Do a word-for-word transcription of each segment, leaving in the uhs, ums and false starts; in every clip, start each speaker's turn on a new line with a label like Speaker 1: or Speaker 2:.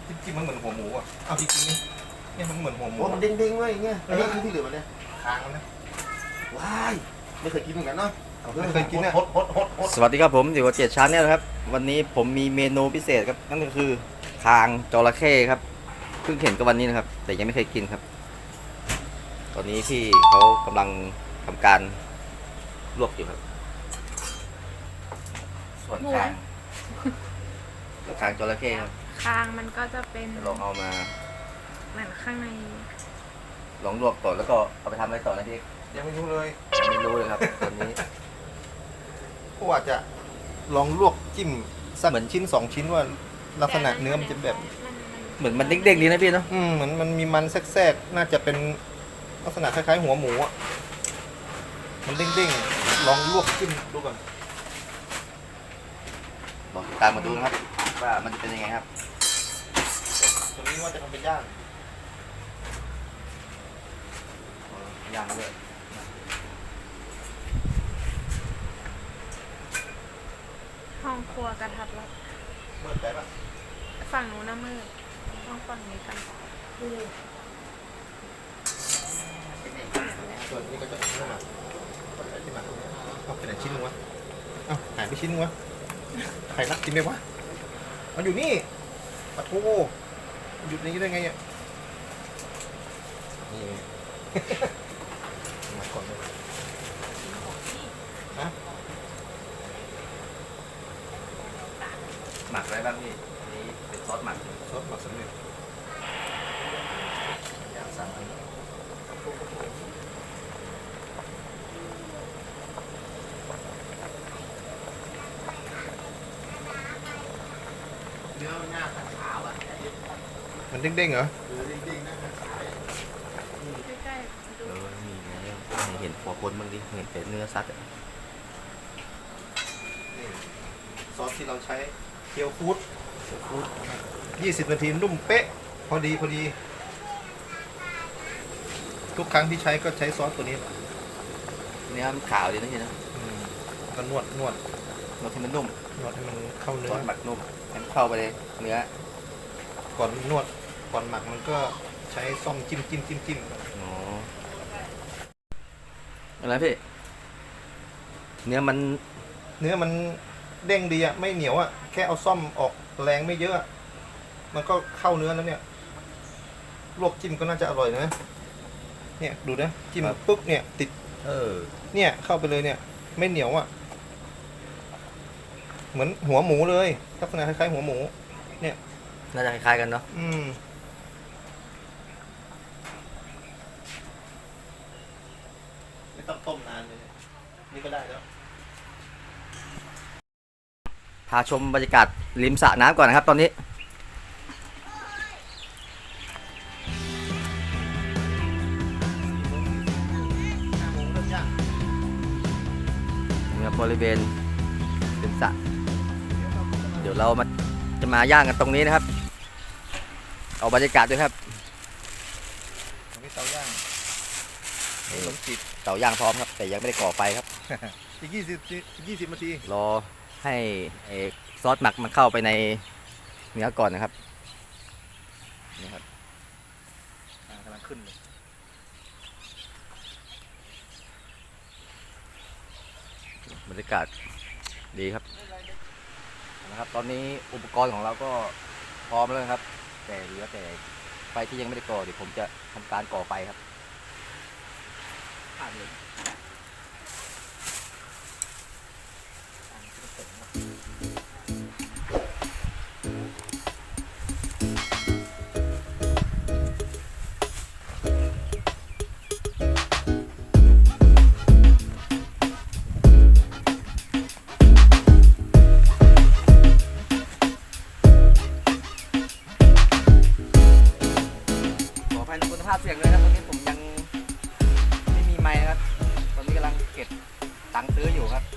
Speaker 1: จิ้มจิ้มมันเหมือนหัวหมูอ่ะเอาจริงๆนี่เนี่ยมันเหมือนหัวหมู
Speaker 2: โอ้มันเด้งๆเลยอย่างเงี้ยอันนี้คือที่เหลือมันเนี่ย
Speaker 1: คางมันนะ
Speaker 2: ว้ายไม่เคยกินเหมือนกันเนาะ
Speaker 1: ไม่เคยกินเนี่ย
Speaker 2: ฮดฮดฮดฮด
Speaker 3: สวัสดีครับผมอยู่กับเจ็ดชั้นเนี่ยนะครับวันนี้ผมมีเมนูพิเศษครับนั่นก็คือคางจระเข้ครับเพิ่งเห็นก็วันนี้นะครับ แต่ยังไม่เคยกินครับ ตอนนี้พี่เขากำลังทำการลวกอยู่ครับ ส่วนคางคางจระเข้ครับ
Speaker 4: คางมันก็จะเป็น
Speaker 3: เดี๋ยวลองเอามา
Speaker 4: เหมือนข้างใน
Speaker 3: ลองลวกก่อนแล้วก็เอาไปทำอะไรต่อนะพี่
Speaker 1: ยังไม่รู้เลย
Speaker 3: ยังไม่รู้เลยครับตอนนี้
Speaker 1: ก็ว่าจะลองลวกจิ้มสักเหมือนชิ้นสองชิ้นว่าลักษณะเนื้อมันจะแบบ
Speaker 3: เหมือนมันเด้งๆดีนะพี่เนาะ
Speaker 1: อืมเหมือนมันมีมันแทรกๆน่าจะเป็นลักษณะคล้ายๆหัวหมูอ่ะมันเด้งๆลองลวกจิ้มดูก่อน
Speaker 3: บอกตามมาดูนะครับว่ามันจะเป็นยังไงครับ
Speaker 1: ตัวนี้ว่าจะทำเป็นย่าง
Speaker 3: ย่างด้วย
Speaker 4: ห้องครัวกระทัดรัด
Speaker 1: เมื่อไหร่ปะ
Speaker 4: ฝั่งนู้นน่ะมืดต้องฝั่งนี้กัน
Speaker 1: ส่วนนี้ก็จะเป็นขึ้นมาก็จะขึ้นมาเอาไปไหนชิ้นนึงวะเอาหายไปชิ้นนึงวะใครรักกินไหมวะมันอยู่นี่ปะโถหยุดนี้ได้ไงอ่ะนี่ มาก่อนเลยฮะ
Speaker 3: หมักอะไรบ้างพี่อันนี้เป็นซอสหมัก
Speaker 1: ซอสหมักสำเร็จ
Speaker 3: อย่างสั่งอันนี้
Speaker 2: เนื้อหน้าขาวอ่ะ
Speaker 1: มันเด้งๆเหรอ
Speaker 2: หรือเด้งๆหน้าขาว
Speaker 4: ใกล้ๆดู
Speaker 3: เออนี่ไงให้เห็นหัวคนบ้างดิเห็นแต่เนื้อซัดอะ
Speaker 1: นี่ซอสที่เราใช้เคียวฟู้ดยี่สิบนาทีนุ่มเป๊ะ พอดีพอดี ทุกครั้งที่ใช้ก็ใช้ซอสตัวนี้
Speaker 3: เนื้อมันขาวดีนะพี่นะ
Speaker 1: อืมก็นวดนวด
Speaker 3: รสที่มันนุ่ม
Speaker 1: นวดให้มันเข้าเนื้
Speaker 3: ซ
Speaker 1: อ
Speaker 3: อสหมักนุ่มให้มันเข้าไปเลยเนื้อ
Speaker 1: ก่อนนวดก่อนหมักมันก็ใช้ซ่อมจิ้มจิ้มจิ้มจิ้ม
Speaker 3: อ๋ออะไรพี่เนื้อมัน
Speaker 1: เนื้อมันเด้งดีอะไม่เหนียวอะแค่เอาซ่อมออกแรงไม่เยอะอะมันก็เข้าเนื้อแล้วเนี่ยลวกจิ้มก็น่าจะอร่อยนะเนี่ยดูนะจิ้มปุ๊บเนี่ยติด
Speaker 3: เออ
Speaker 1: เนี่ยเข้าไปเลยเนี่ย ไม่เหนียวอะเหมือนหัวหมูเลยลักษณะคล้ายๆหัวหมู
Speaker 3: น่าจะคล้ายๆกันเนาะ
Speaker 1: อืมไม่ต้องต้มนานเลยนี่ก็ได้แล้ว
Speaker 3: พาชมบรรยากาศริมสระน้ำก่อนนะครับ ตอนนี้นี่ครับบริเวณริมสระเดี๋ยวเรามาจะมาย่างกันตรงนี้นะครับเอาบรรยากาศด้วยครับ
Speaker 1: ตรงนี้เตาย่างนี่ขนมจีบ
Speaker 3: เตาย่างพร้อมครับ แต่ยังไม่ได้ก่อไฟครับ
Speaker 1: อีกยี่สิบยี่สิบนาที
Speaker 3: รอให้ไอ้ซอสหมักมันเข้าไปในเนื้อก่อนนะครับนี่ครับ
Speaker 1: อ่ากำลังขึ้นเลย
Speaker 3: บรรยากาศดีครับนะครับ ตอนนี้อุปกรณ์ของเราก็พร้อมแล้วนะครับ แต่เหลือแต่ไฟที่ยังไม่ได้ก่อเดี๋ยวผมจะทำการก่อไฟครับอ่าเลย ขออภัยในคุณภาพเสียงเลยนะตอนนี้ผมยังไม่มีไมค์นะครับ ตอนนี้กำลังเก็บตังค์ซื้ออยู่ครับ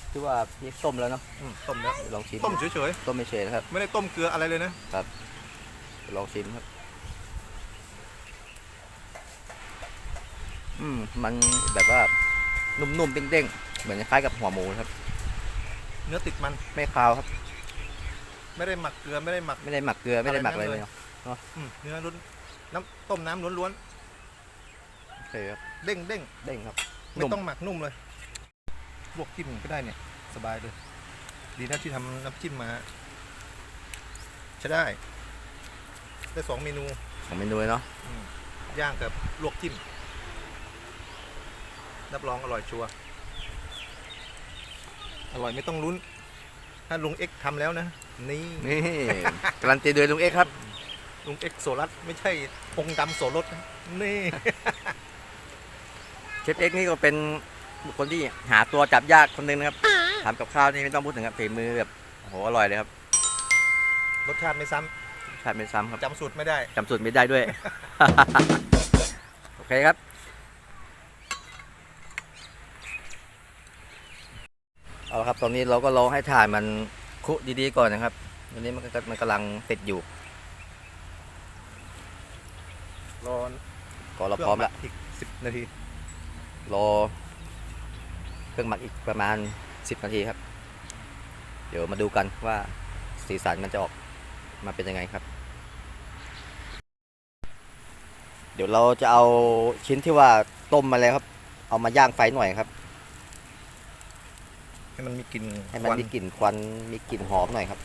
Speaker 3: ที่ว่าพี่ต้มแล้วเนาะ
Speaker 1: อืมต้มแล้ว
Speaker 3: เดี๋ยวลองชิม
Speaker 1: ต้มเฉย
Speaker 3: ต้มไม่เฉยนะครับ
Speaker 1: ๆไม่ได้ต้มเกลืออะไรเลยนะ
Speaker 3: เดี๋ยวลองชิมครับอืมมันแบบว่านุ่มๆเด้งๆเหมือนคล้ายกับหัวหมูครับ
Speaker 1: เนื้อติดมัน
Speaker 3: ไม่คาวครับ
Speaker 1: ไม่ได้หมักเกลือไม่ได้หมัก
Speaker 3: ไม่ได้หมักเกลือไม่ได้หมักอะไรเลยเนาะ
Speaker 1: อืมเนื้อล้วนน้ำต้มน้ำล้วน
Speaker 3: โอเคครับ
Speaker 1: ๆเด้งเด้ง
Speaker 3: เด้งครับ
Speaker 1: ๆไม่ต้องหมักนุ่มเลยลวกจิ้มก็ได้เนี่ยสบายเลย ดีนะที่ทำน้ำจิ้มมาใช้ได้ได้สองเมนู
Speaker 3: ของเมนูเลยเนาะ
Speaker 1: อืมย่างกับลวกจิ้มรับรองอร่อยชัวร์อร่อยไม่ต้องลุ้น ถ้าลุงเอ็กซ์ทำแล้วนะ นี่
Speaker 3: นี่การันตีโดยลุงเอ็กซ์ครับ
Speaker 1: ลุงเอ็กซ์โซลัสไม่ใช่พงดำโสรสนะนี่
Speaker 3: เชฟเอ็กซ์นี่ก็เป็นบุคคลที่หาตัวจับยากคนหนึงนะครับทำกับข้าวนี่ไม่ต้องพูดถึงครับฝีมือแบบโอ้โหอร่อยเลยครับ
Speaker 1: รสชาติไม่ซ้
Speaker 3: ชาติไม่ซ้ำครับ
Speaker 1: ำจำสูตรไม่ได้
Speaker 3: จำสูตรไม่ได้ด้วย โอเคครับเอาละครับตอนนี้เราก็รอให้ถ่านมันคุดีๆก่อนนะครับตอนนี้มันก็มันกำลังติดอยู่
Speaker 1: รอ
Speaker 3: ก็เราพร้อมแล้ว
Speaker 1: อีกสิบนาที
Speaker 3: รอเครื่องหมักอีกประมาณสิบนาทีครับ เดี๋ยวมาดูกันว่าสีสันมันจะออกมาเป็นยังไงครับ เดี๋ยวเราจะเอาชิ้นที่ว่าต้มมาแล้วครับ เอามาย่างไฟหน่อยครับ
Speaker 1: ให้มันมีกลิ่น
Speaker 3: ให้มัน
Speaker 1: ควั
Speaker 3: มีกลิ่นควันมีกลิ่นหอมหน่อยครับ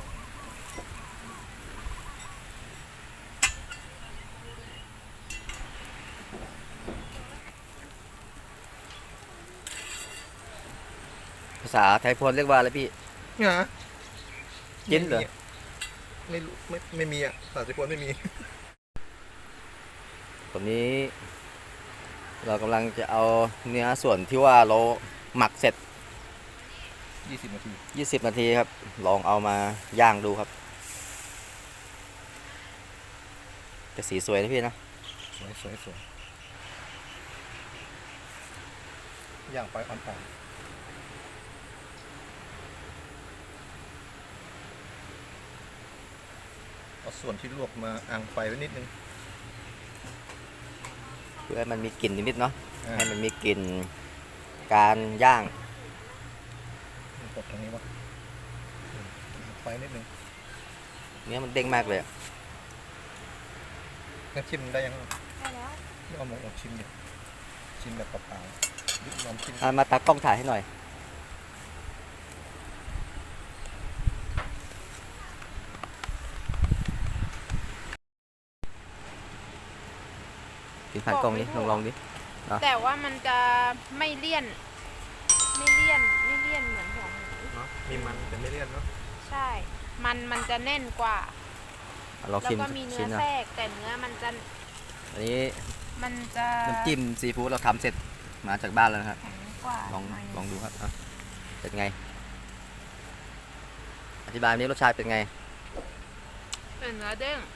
Speaker 3: ภาษาไทยพวนเรียกว่าอะไรพี่
Speaker 1: เนี่ย
Speaker 3: จิ้นเหรอ
Speaker 1: ไม่รู้ไม่ไม่มีอ่ะสาสิพวนไม่มี
Speaker 3: ตอนนี้ เรากำลังจะเอาเนื้อส่วนที่ว่าเราหมักเสร็จ
Speaker 1: ยี่สิบนาที
Speaker 3: ยี่สิบนาทีครับ ลองเอามาย่างดูครับแต่สีสวยนะพี่นะ
Speaker 1: สวยสวยสวยย่างไฟอ่อนๆเอาส่วนที่ลวกมาอ่างไฟไว้นิดนึง
Speaker 3: เพื่อให้มันมีกลิ่นนิดๆเนาะ
Speaker 1: อ่า
Speaker 3: ให้มันมีกลิ่นการย่าง
Speaker 1: กดตรงนี้วะอืมอ่างไฟนิดนึง
Speaker 3: เนื้อมันเด้งมากเลยอะ
Speaker 1: งั้นชิมได้ยัง
Speaker 4: ได้แล้ว
Speaker 1: นี่เอาหมูออกชิมดิชิมแบบเปล่าๆยึดลองชิม
Speaker 3: อ่ะมาตากล้องถ่ายให้หน่อยกินผ่านกล้องนี้ลองลองดิ
Speaker 4: แต่ว่ามันจะไม่เลี่ยน ไม่เลี่ยนไม่เลี่ยนเหมือนหัวหมู
Speaker 1: เนาะมีมันแต่ไม่เลี่ยนเนาะ
Speaker 4: ใช่ มันมันจะแน่นกว่า
Speaker 3: อ่ะลอง
Speaker 4: แล้ว
Speaker 3: ชิม
Speaker 4: ก็มีเนื้
Speaker 3: ชิ้
Speaker 4: อน
Speaker 3: นะ
Speaker 4: แทรกแต่เนื้อมันจะ
Speaker 3: อันนี้
Speaker 4: มันจะ
Speaker 3: น้ำจิ้มซีฟู้ดเราทำเสร็จมาจากบ้านแล้วนะครับ
Speaker 4: แข็งกว่า
Speaker 3: ลอง
Speaker 4: หน่ย
Speaker 3: ลองดูครับอ่ะเป็นไง อธิบายนี้รสชาติเป็นไง
Speaker 4: เป็นเนื้อเด้ง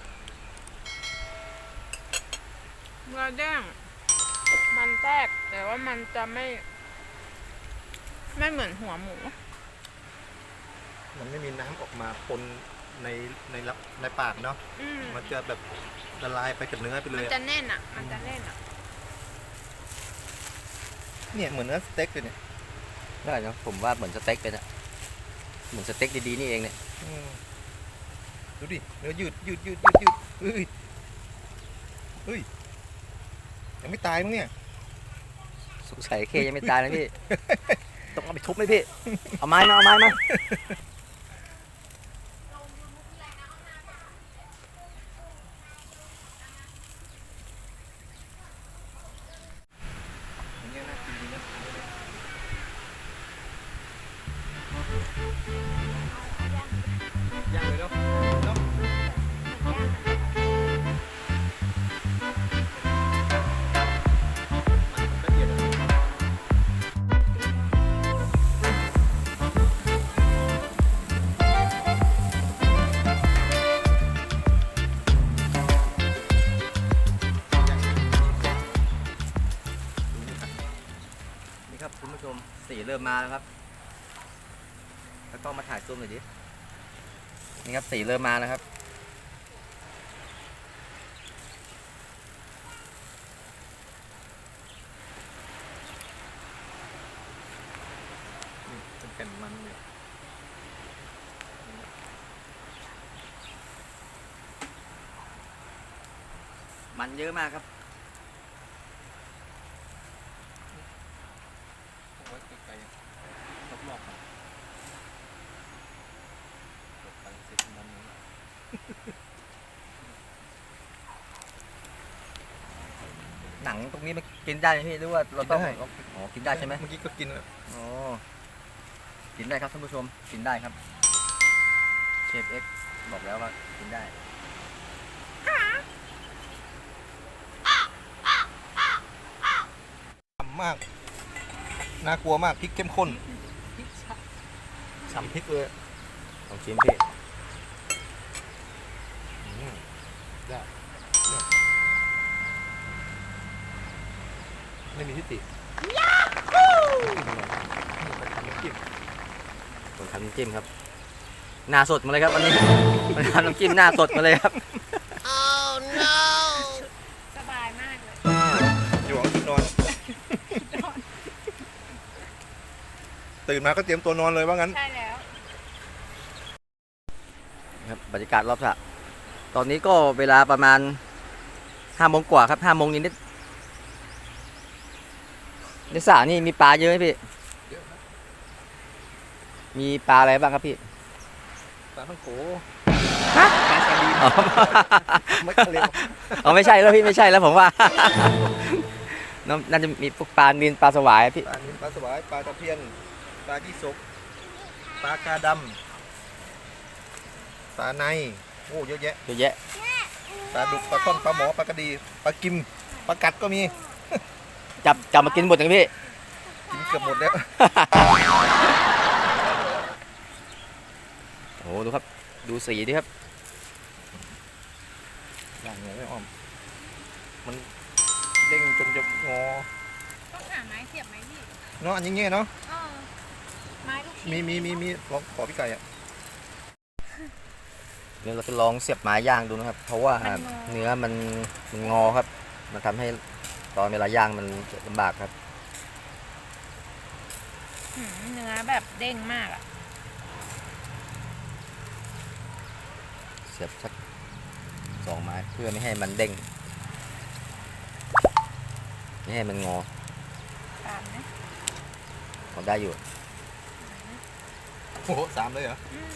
Speaker 4: เนื้อเด้งมันแทรกแต่ว่ามันจะไม่ ไม่เหมือนหัวหมู
Speaker 1: มันไม่มีน้ำออกมาปนในในรับในปากเนาะ
Speaker 4: อืม
Speaker 1: มันจะแบบละลายไปกับเนื้อไปเล
Speaker 4: มัน
Speaker 1: ย
Speaker 4: จะ
Speaker 1: อะ
Speaker 4: แน่นอ่ะ มันจะแน่นอ่ะ
Speaker 1: เนี่ยเหมือนเนื้อสเต็กเลยเนี่ย
Speaker 3: ได้นะผมว่าเหมือนสเต็กเลยนะเหมือนสเต็กดีๆนี่เองเนี่ย
Speaker 1: อืมดูดิเนื้อยืดยืดยืดยืดยืดเฮ้ยเฮ้ยยังไม่ตายมั้งเนี่ย
Speaker 3: สงสัยเคยังไม่ตายนะพี่ ต้องเอาไปทุบไหมพี่ เอาไม้มาเอาไม้มา
Speaker 1: อย่างเงี้ยน่ากินดีนะย่างเลยเนาะเนาะมันละเอียดอะ
Speaker 3: นี่ครับคุณผู้ชมสีเริ่มมาแล้วครับแล้วก็มาถ่ายซูมหน่อยดิ นี่ครับสีเริ่มมาแล้วครับ
Speaker 1: เป็นแผ่นมันเลย
Speaker 3: มันเยอะมากครับ
Speaker 1: เอาไว้ไกลๆรอบๆครับกดไปเสร็จมันนี้
Speaker 3: หนังตรงนี้มันกินได้ไหมพี่หรือว่าเราต้อง
Speaker 1: กินได้
Speaker 3: อ๋อกินได้ใช่ไหม
Speaker 1: เมื่อกี้ก็กินแล้ว
Speaker 3: อ๋อกินได้ครับท่านผู้ชมกินได้ครับเชฟเอ็กซ์บอกแล้วว่ากินได้
Speaker 1: ฉ่ำมาก น่ากลัวมากพริกเข้มข้นฉ่ำพริกเลย
Speaker 3: ลองชิมพี่
Speaker 1: อืมได้เนี่ยไม่มีทิฏฐิไปทำน้ำจิ้ม
Speaker 3: ผมทำน้ำจิ้มครับ หน้าสดมาเลยครับวันนี้ ผมทำน้ำจิ้มหน้าสดมาเลยครับ
Speaker 4: สบายมากเลย
Speaker 1: อยู่ห้องชุดนอน ตื่นมาก็เตรียมตัวนอนเลยว่างั้น
Speaker 4: ใช่แล้ว
Speaker 3: ครับบรรยากาศรอบสระตอนนี้ก็เวลาประมาณห้าโมงกว่าครับห้าโมงนิดๆในสระนี่มีปลาเยอะไหมพี่
Speaker 1: เยอะนะ
Speaker 3: มีปลาอะไรบ้างครับพี่
Speaker 1: ปลาท่องโก
Speaker 3: ฮะ
Speaker 1: ปลาซาดีน
Speaker 3: อ๋อ
Speaker 1: ไม่ทะเล
Speaker 3: อ๋อไม่ใช่แล้วพี่ไม่ใช่แล้วผมว่า น่าน่าจะมีพวกปลานิลปลาสวายพี่
Speaker 1: ปลานิลปลาสวายปลาตะเพียนปลายี่สกปลากาดำปลาในโอ้เยอะแยะ
Speaker 3: เยอะแยะ
Speaker 1: ปลาดุกปลาท่อนปลาหมอปลากระดีปลากิมปลากัดก็มี
Speaker 3: จับจับมากินหมดอย่างพี่
Speaker 1: กินเกือบหมดแล้ว
Speaker 3: โอ้โหดูครับ ดูสีดิครับ
Speaker 1: อย่างเงี้ยไม่อ้อมมันเด้งจนจะงอ
Speaker 4: ต้องหาไม้เสียบไหมพี่
Speaker 1: เนาะอันนี้เงี้ยเนาะ
Speaker 4: เออไม้ลูกชิ้น
Speaker 1: มีมีมีมีลองขอพี่ไก่อะ
Speaker 3: เดี๋ยวเราจะลองเสียบไม้ย่างดูนะครับ เพราะว่าเนื้อมันมันงอครับ มันทำให้ตอนเวลาย่างมันลำบากครับ
Speaker 4: หืมเนื้อแบบเด้งมากอ่ะ
Speaker 3: เสียบสักสองไม้เพื่อไม่ให้มันเด้งไม่ให้มันงอ
Speaker 4: ตามนะ
Speaker 3: พอได้อยู่
Speaker 1: โอ้โหสามเลยเหรอ
Speaker 4: อืม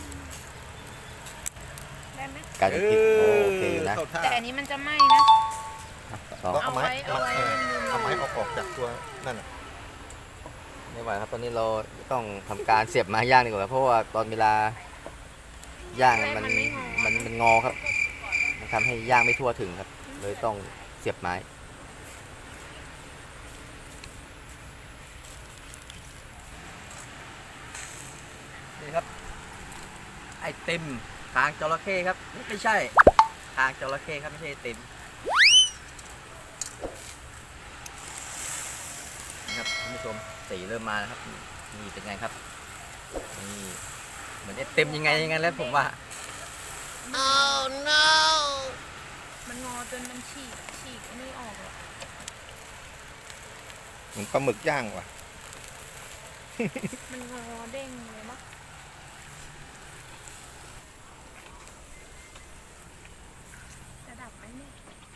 Speaker 4: ได้ไหม
Speaker 3: การจะกินโอโอเคอยู่นะ
Speaker 1: เข้าท่า
Speaker 4: แต่อันนี้มันจะไหม้นะ
Speaker 3: สอง
Speaker 1: เอาไม้
Speaker 4: เอาไว้
Speaker 1: เอาไม้
Speaker 4: เอาไว้
Speaker 1: เอาไม้ออกออกจากตัวนั่นน่ะ
Speaker 3: ไม่ไหวครับตอนนี้เราต้องทำการเสียบไม้ย่างดีกว่าเพราะว่าตอนเวลาย่างมันมันมันงอครับ มันทำให้ย่างไม่ทั่วถึงครับ เลยต้องเสียบไม้ นี่ครับ ไอติมคางจระเข้ครับ ไม่ใช่คางจระเข้ครับไม่ใช่ไอติมนะครับท่านผู้ชมสีเริ่มมาแล้วครับนี่เป็นไงครับนี่เหมือนไอติมยังไงยังไงแล้วผมว่า
Speaker 4: มันงอจนมันฉีกฉีกอันนี้ออกอะ
Speaker 1: เหมือนปลาหมึกย่างว่ะ
Speaker 4: มันงอเด้งเลยมั้งจะดับไหมเนี่ย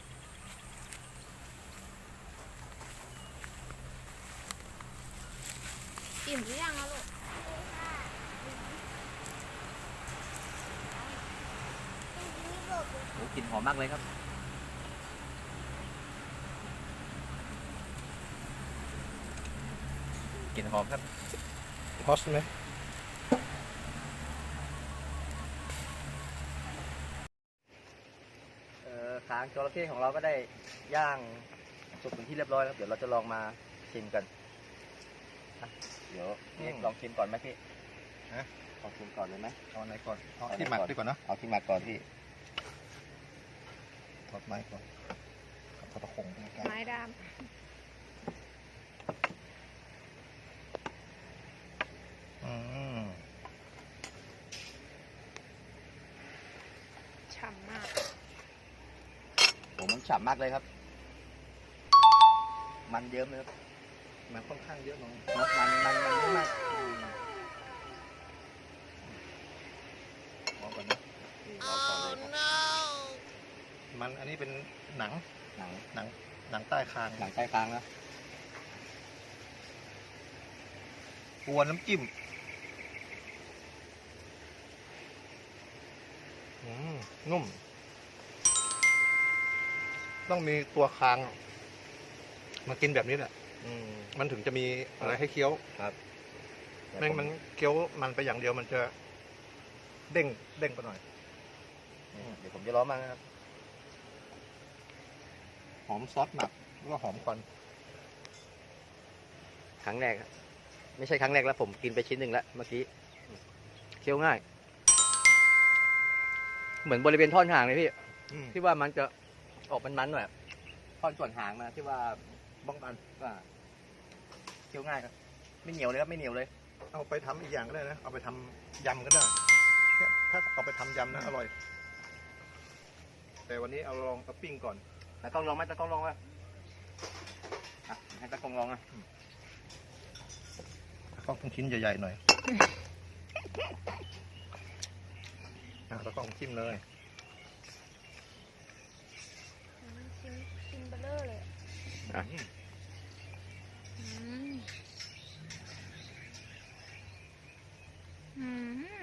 Speaker 4: อิ่มหรือยังอะลูก
Speaker 3: โอ้กลิ่นหอมมากเลยครับกลิ่นหอมครับ
Speaker 1: ฮอสไหม
Speaker 3: เอ่อคางจระเข้ของเราก็ได้ย่างสุกเป็นที่เรียบร้อยแล้วเดี๋ยวเราจะลองมาชิมกันอ่ะเดี๋ยวพี่เอกลองชิมก่อนไหมพี่ลองชิมก่อนเลยไหม
Speaker 1: เอาไหนก่อนเอาที่หมักดีกว่าเนอะ
Speaker 3: เอาที่หมักก่อนพี่
Speaker 1: ทอดไม้ก่อนเอาตะคงไปใกล้
Speaker 4: ไม้ดาม
Speaker 1: อืม
Speaker 3: ฉ่ำมากเลยครับ มันเยิ้มเลยครับ
Speaker 1: มันค่อนข้างเยอะหน้อง
Speaker 3: เนอะมันมันมันเยอะมาก
Speaker 1: ลองก่อนนะ
Speaker 3: รอก่อนเลยครับ
Speaker 1: มันอันนี้เป็นหนัง
Speaker 3: หนัง
Speaker 1: หนังหนังใต้คาง
Speaker 3: หนังใต้ค้างนะ
Speaker 1: กวนน้ำจิ้มอืมนุ่ม ต้องมีตัวคางมากินแบบนี้แหละ
Speaker 3: อืม
Speaker 1: มันถึงจะมีอะไรให้เคี้ยว
Speaker 3: ครับ
Speaker 1: แม่งมันเคี้ยวมันไปอย่างเดียวมันจะเด้งเด้งไปหน่อย
Speaker 3: เดี๋ยวผมจะล้อมากนะครับ
Speaker 1: หอมซอสหมักแล้วก็หอมควัน
Speaker 3: ครั้งแรกครับไม่ใช่ครั้งแรกแล้วผมกินไปชิ้นหนึ่งแล้วเมื่อกี้เคี้ยวง่าย เหมือนบริเวณท่อนหางเลยพี่
Speaker 1: อืม
Speaker 3: ที่ว่ามันจะออกมันๆหน่อยท่อนส่วนหางมาที่ว่า
Speaker 1: บ้องมัน
Speaker 3: ว่าเคี้ยวง่ายครับ ไม่เหนียวเลยครับไม่เหนียวเลย
Speaker 1: เอาไปทำอีกอย่างก็ได้นะ เอาไปทำยำก็ได้เนี่ยถ้าเอาไปทำยำนะอร่อย แต่วันนี้เอาลองเอาปิ้งก่อน
Speaker 3: ตากล้องลองไหมตากล้องลองไหมอ่ะให้ตากล้องลองอ่ะ
Speaker 1: ก็ต้องชิ้นใหญ่ๆหน่อยอ่ะแล้วก็จิ้มเลย
Speaker 4: ชิ้นชิ้นเบลเลอร์เลย
Speaker 3: อ่ะ
Speaker 4: อืมอืม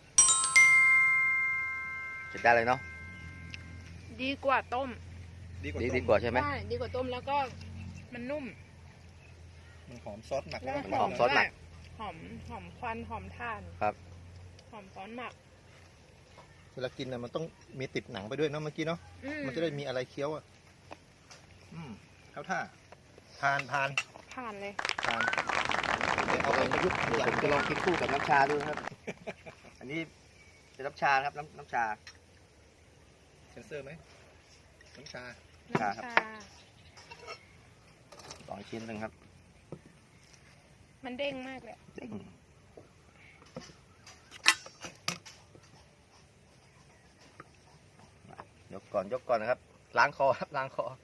Speaker 3: เสร็จได้เลยเนาะ
Speaker 4: ดีกว่าต้ม
Speaker 1: ดีกว่า
Speaker 3: ดี
Speaker 1: ต้ม
Speaker 3: ดีกว่าใช่ไหม
Speaker 4: ใช่ดีกว่าต้มแล้วก็มันนุ่ม
Speaker 1: มันหอมซอสหมัก
Speaker 4: แล้
Speaker 1: แล้ว ว
Speaker 3: มันหอมซอสหมัก
Speaker 4: หอมหอมควันหอมถ่าน
Speaker 3: ครับ
Speaker 4: หอมซอสหมัก
Speaker 1: เวลากินน่ะมันต้องมีติดหนังไปด้วยเนาะเมื่อกี้เนาะ
Speaker 4: อื
Speaker 1: มันจะได้มีอะไรเคี้ยวอ่ะ อืมเข้าท่าทานทาน
Speaker 4: ผ่านเลย
Speaker 1: ทานเดี๋ยวเอาไปประยุกต์
Speaker 3: เดี๋ยวผมจะลองกินคู่กับน้ำชาดูนะครับ อันนี้เป็นน้ำชานะครับน้ำน้ำชา
Speaker 1: เซนเซอร์ไหมน้ำชา
Speaker 4: น้ำ
Speaker 3: ครั
Speaker 4: ชา
Speaker 3: บ สองชิ้นหนึ่งครับ
Speaker 4: มันเด้งมากเลย
Speaker 3: เด้งยกก่อนยกก่อนนะครับ ล้างคอครับล้างคอ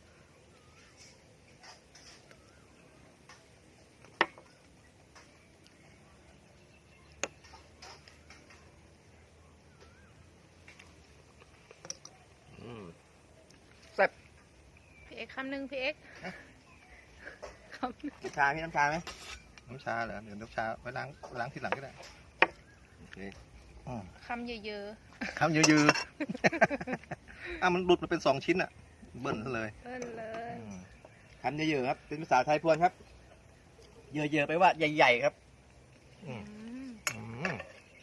Speaker 3: อืมแซ่บ
Speaker 4: พี่เอ็กซ์คำหนึ่งพี่เอ็กซ์คำหนึ่ง
Speaker 3: น้ำชาพี่น้ำชาไหม
Speaker 1: น้ำชาเหรอเดี๋ยวน้ำชาไว้ล้างล้างทีหลังก็ได้
Speaker 3: โอเค
Speaker 1: อืม
Speaker 4: คำเยอะ
Speaker 1: คำยือๆ อ่ะมันหลุดมาเป็นสองชิ้นอ่ะ เบิ้ลซะเลย
Speaker 4: ๆเอิ้นเลย
Speaker 1: อืม
Speaker 3: คำเยอะๆครับ เป็นภาษาไทยพวนครับ เยอะๆไปว่าใหญ่ๆครับ
Speaker 1: อืม
Speaker 4: อืม
Speaker 1: อืม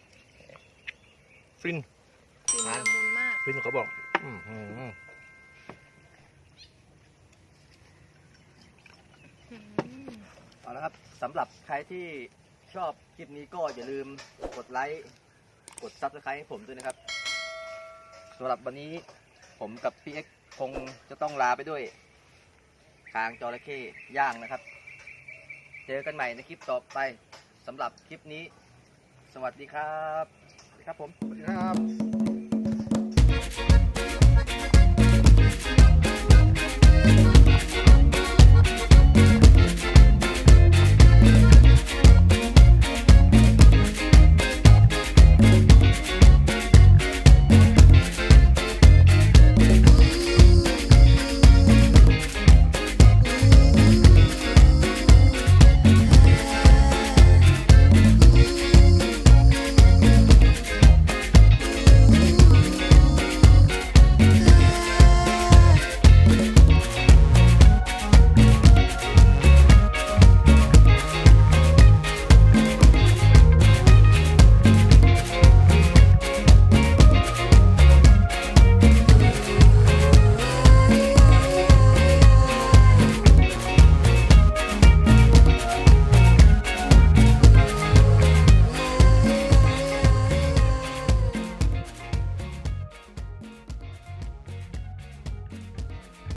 Speaker 1: ฟิน
Speaker 4: กลิ่นละมุนมาก
Speaker 1: ฟินเขาบอก อืมอืม
Speaker 4: อืม
Speaker 3: เอาละครับสำหรับใครที่ชอบคลิปนี้ก็อย่าลืมกดไลค์กดซับสไครต์ให้ผมด้วยนะครับสำหรับวันนี้ผมกับพี่เอ็กซ์คงจะต้องลาไปด้วยคางจระเข้ย่างนะครับ เจอกันใหม่ในคลิปต่อไปสำหรับคลิปนี้ สวัสดีครับสวัสดีครับผม
Speaker 1: สวัสดีครับ